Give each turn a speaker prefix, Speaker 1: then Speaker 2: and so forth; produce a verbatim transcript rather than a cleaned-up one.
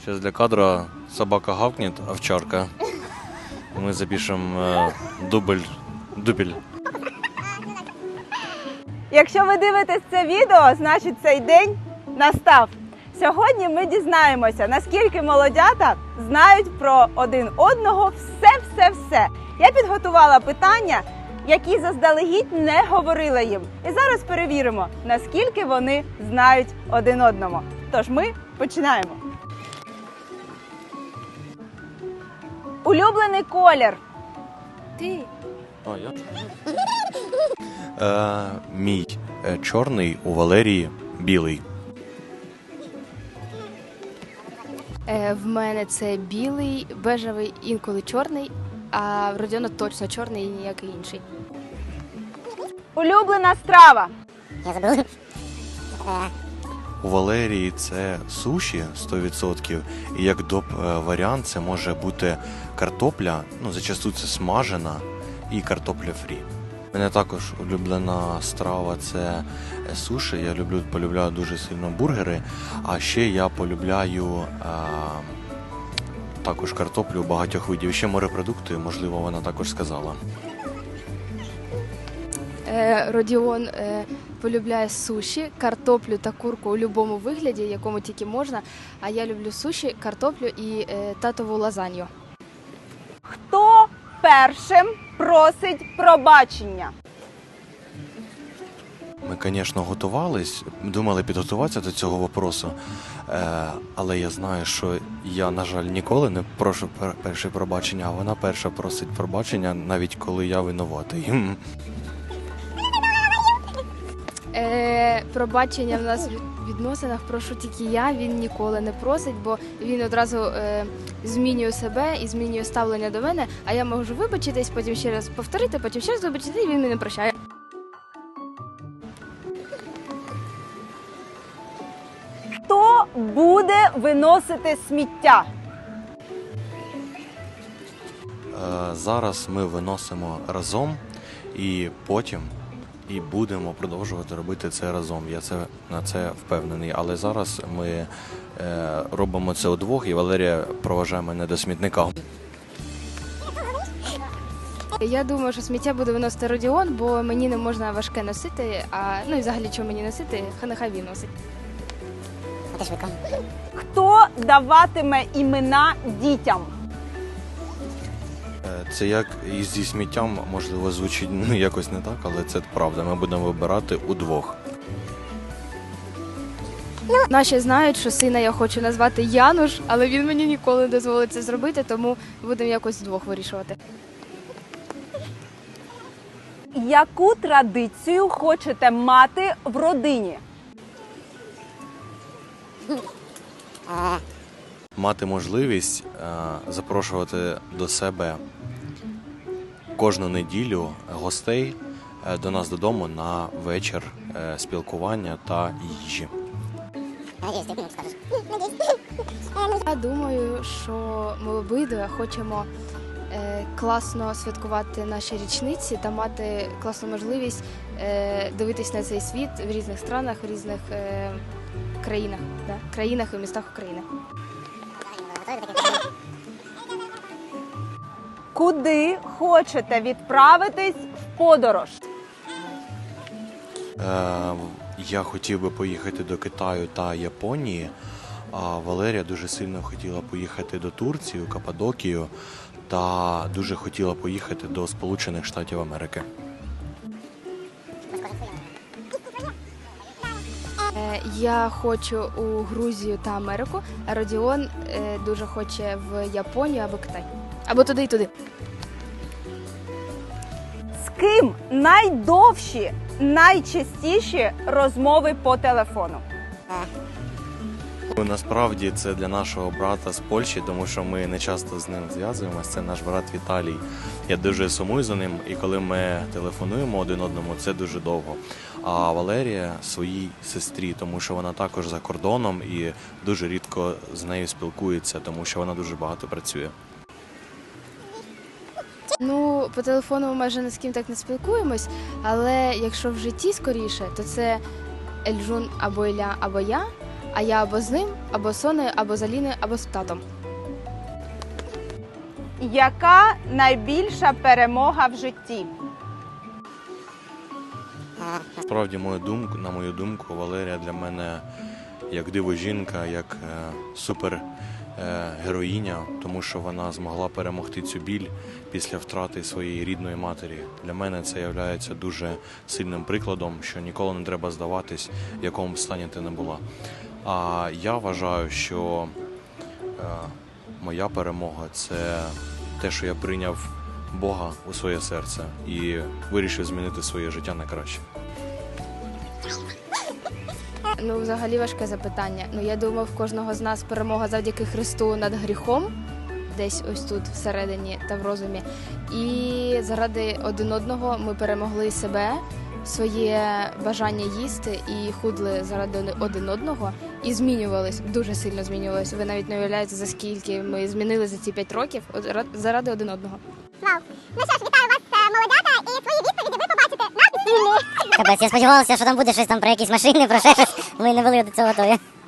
Speaker 1: Сейчас для кадра собака гавкнет, овчарка. Мы запишем э, дубль, дубль.
Speaker 2: Якщо ви дивитесь це відео, значить цей день настав. Сьогодні ми дізнаємося, наскільки молодята знають про один одного все-все-все. Я підготувала питання, які заздалегідь не говорила їм. І зараз перевіримо, наскільки вони знають один одного. Тож ми починаємо. Улюблений колір.
Speaker 3: Ти.
Speaker 1: А, я? Е, мій е, чорний, у Валерії білий.
Speaker 3: Е, в мене це білий, бежевий, інколи чорний, а в Родіона точно чорний і ніякий інший.
Speaker 2: Улюблена страва.
Speaker 4: Я забув.
Speaker 1: У Валерії це суші сто відсотків, і як доп варіант це може бути картопля, ну зачасту це смажена, і картопля фрі. У мене також улюблена страва це суші, я люблю, полюбляю дуже сильно бургери, а ще я полюбляю а, також картоплю багатьох видів, ще морепродукти, можливо, вона також сказала.
Speaker 3: Е, Родіон е, полюбляє суші, картоплю та курку у будь-якому вигляді, якому тільки можна, а я люблю суші, картоплю і е, татову лазанью.
Speaker 2: Хто першим просить пробачення?
Speaker 1: Ми, звісно, готувались, думали підготуватися до цього вопросу, е, але я знаю, що я, на жаль, ніколи не прошу пер- перше пробачення, а вона перша просить пробачення, навіть коли я винуватий.
Speaker 3: Е, пробачення в нас в відносинах прошу тільки я, він ніколи не просить, бо він одразу е, змінює себе і змінює ставлення до мене, а я можу вибачитись, потім ще раз повторити, потім ще раз вибачити, і він мене прощає.
Speaker 2: Хто буде виносити сміття?
Speaker 1: Е, Зараз ми виносимо разом і потім і будемо продовжувати робити це разом. Я це, на це впевнений. Але зараз ми е, робимо це удвох, і Валерія проважає мене до смітника.
Speaker 3: Я думаю, що сміття буде виносити Родіон, бо мені не можна важке носити, а ну і взагалі чого мені носити, хай нехай він носить.
Speaker 4: А ти швидко.
Speaker 2: Хто даватиме імена дітям?
Speaker 1: Е, Це як і зі сміттям, можливо, звучить ну, якось не так, але це правда. Ми будемо вибирати удвох.
Speaker 3: Наші знають, що сина я хочу назвати Януш, але він мені ніколи не дозволить це зробити, тому будемо якось вдвох вирішувати.
Speaker 2: Яку традицію хочете мати в родині?
Speaker 1: Мати можливість е, запрошувати до себе кожну неділю гостей е, до нас додому на вечір е, спілкування та їжі.
Speaker 4: Надіюсь, ти мені скажеш.
Speaker 3: Я думаю, що ми обидва хочемо е, класно святкувати наші річниці та мати класну можливість е, дивитись на цей світ в різних странах, в різних е, країнах, да? країнах і містах України.
Speaker 2: Куди хочете відправитись в подорож?
Speaker 1: Е, Я хотів би поїхати до Китаю та Японії, а Валерія дуже сильно хотіла поїхати до Турції, у Каппадокію та дуже хотіла поїхати до Сполучених Штатів Америки.
Speaker 3: Е, Я хочу у Грузію та Америку, а Родіон е, дуже хоче в Японію або Китай. Або туди і туди.
Speaker 2: З ким найдовші, найчастіші розмови по телефону?
Speaker 1: Ну, Насправді це для нашого брата з Польщі, тому що ми не часто з ним зв'язуємося. Це наш брат Віталій. Я дуже сумую за ним, і коли ми телефонуємо один одному, це дуже довго. А Валерія своїй сестрі, тому що вона також за кордоном і дуже рідко з нею спілкується, тому що вона дуже багато працює.
Speaker 3: Ну, по телефону ми майже ні з ким так не спілкуємось, але якщо в житті скоріше, то це Ельжун або Ілля, або я. а я або з ним, або з Сонею, або з Аліною, або з татом.
Speaker 2: Яка найбільша перемога в житті?
Speaker 1: Справді, мою думку, на мою думку, Валерія для мене як диво жінка, як е, супер е, героїня, тому що вона змогла перемогти цю біль після втрати своєї рідної матері. Для мене це є дуже сильним прикладом, що ніколи не треба здаватись, в якому б стані ти не була. А я вважаю, що е, моя перемога – це те, що я прийняв Бога у своє серце і вирішив змінити своє життя на краще.
Speaker 3: Ну, взагалі важке запитання. Ну, я думаю, в кожного з нас перемога завдяки Христу над гріхом, десь ось тут всередині та в розумі. І заради один одного ми перемогли себе, своє бажання їсти і худли заради один одного. І змінювались, дуже сильно змінювались. Ви навіть не уявляєте, за скільки ми змінили за ці п'ять років от ра- заради один одного.
Speaker 5: Вау. Ну що ж, вітаю вас, е, молодята, і свої відповіді ви побачите на стрімі.
Speaker 4: Капець, я сподівалася, що там буде щось там про якісь машини, про ще щось. Ми не були до цього готові.